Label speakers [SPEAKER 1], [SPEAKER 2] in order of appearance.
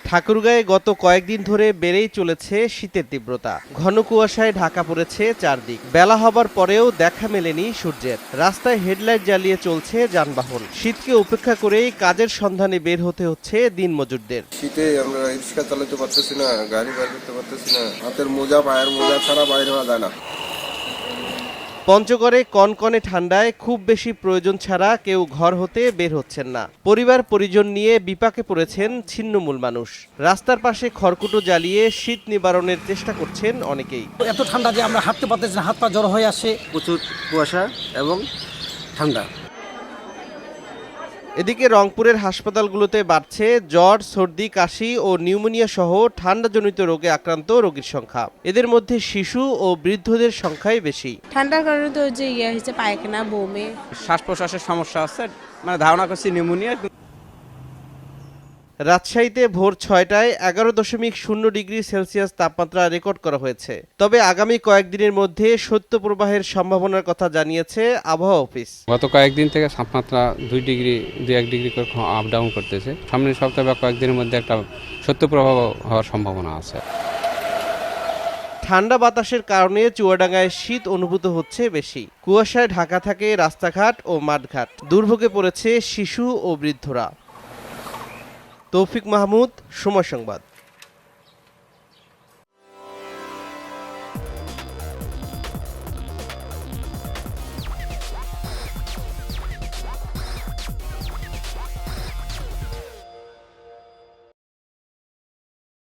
[SPEAKER 1] ঠাকুরগাঁয়ে গত কয়েকদিন ধরে বেড়েই চলেছে শীতের তীব্রতা। ঘন কুয়াশায় ঢাকা পড়েছে চারদিক। বেলা হবার পরেও দেখা মেলেনি সূর্যের। রাস্তায় হেডলাইট জ্বালিয়ে চলছে যানবাহন। শীতকে উপেক্ষা করেই কাজের সন্ধানে বের হতে হচ্ছে দিনমজুরদের।
[SPEAKER 2] শীতে আমরা রিক্সা চালাতে পারতেছি না, গাড়ি বের করতে পারতেছি না। হাতের মোজা, পায়ের মোজা ছাড়া বাইরে হওয়া যায় না।
[SPEAKER 1] পঞ্চগড়ে কনকনে ঠান্ডায় খুব বেশি প্রয়োজন ছাড়া কেউ ঘর হতে বের হচ্ছেন না। পরিবার পরিজন নিয়ে বিপাকে পড়েছেন ছিন্নমূল মানুষ। রাস্তার পাশে খড়কুটো জ্বালিয়ে শীত নিবারণের চেষ্টা করছেন অনেকেই।
[SPEAKER 3] এত ঠান্ডা যে আমরা হাঁটতে পারতেছি না, হাত পা জড়ো হয়ে আসে।
[SPEAKER 4] প্রচুর কুয়াশা এবং ঠান্ডা।
[SPEAKER 1] এদিকে রংপুরের হাসপাতালগুলোতে বাড়ছে জ্বর, সর্দি, কাশি ও নিউমোনিয়া সহ ঠান্ডাজনিত রোগে আক্রান্ত রোগীর সংখ্যা। এদের মধ্যে শিশু ও বৃদ্ধদের সংখ্যাই বেশি।
[SPEAKER 5] ঠান্ডার কারণে তো যে হয়েছে পায়খানা, বমি,
[SPEAKER 4] শ্বাস প্রশ্বাসের সমস্যা আছে, মানে ধারণা করছি নিউমোনিয়া।
[SPEAKER 1] রাজশাহীতে ভোর ৬টায় ১১.০ ডিগ্রি সেলসিয়াস তাপমাত্রা রেকর্ড করা হয়েছে। তবে আগামী কয়েকদিনের মধ্যে শৈত্যপ্রবাহের সম্ভাবনার কথা জানিয়েছে আবহাওয়া অফিস।
[SPEAKER 6] গত কয়েকদিন থেকে তাপমাত্রা ২-১ ডিগ্রি করে আপ ডাউন করতেছে। সামনের সপ্তাহে বা কয়েকদিনের মধ্যে একটা শৈত্যপ্রবাহ হওয়ার সম্ভাবনা আছে।
[SPEAKER 1] ঠান্ডা বাতাসের কারণে চুয়াডাঙ্গায় শীত অনুভূত হচ্ছে বেশি। কুয়াশায় ঢাকা থাকে রাস্তাঘাট ও মাঠঘাট। দুর্ভোগে পড়েছে শিশু ও বৃদ্ধরা। তৌফিক মাহমুদ, সময় সংবাদ।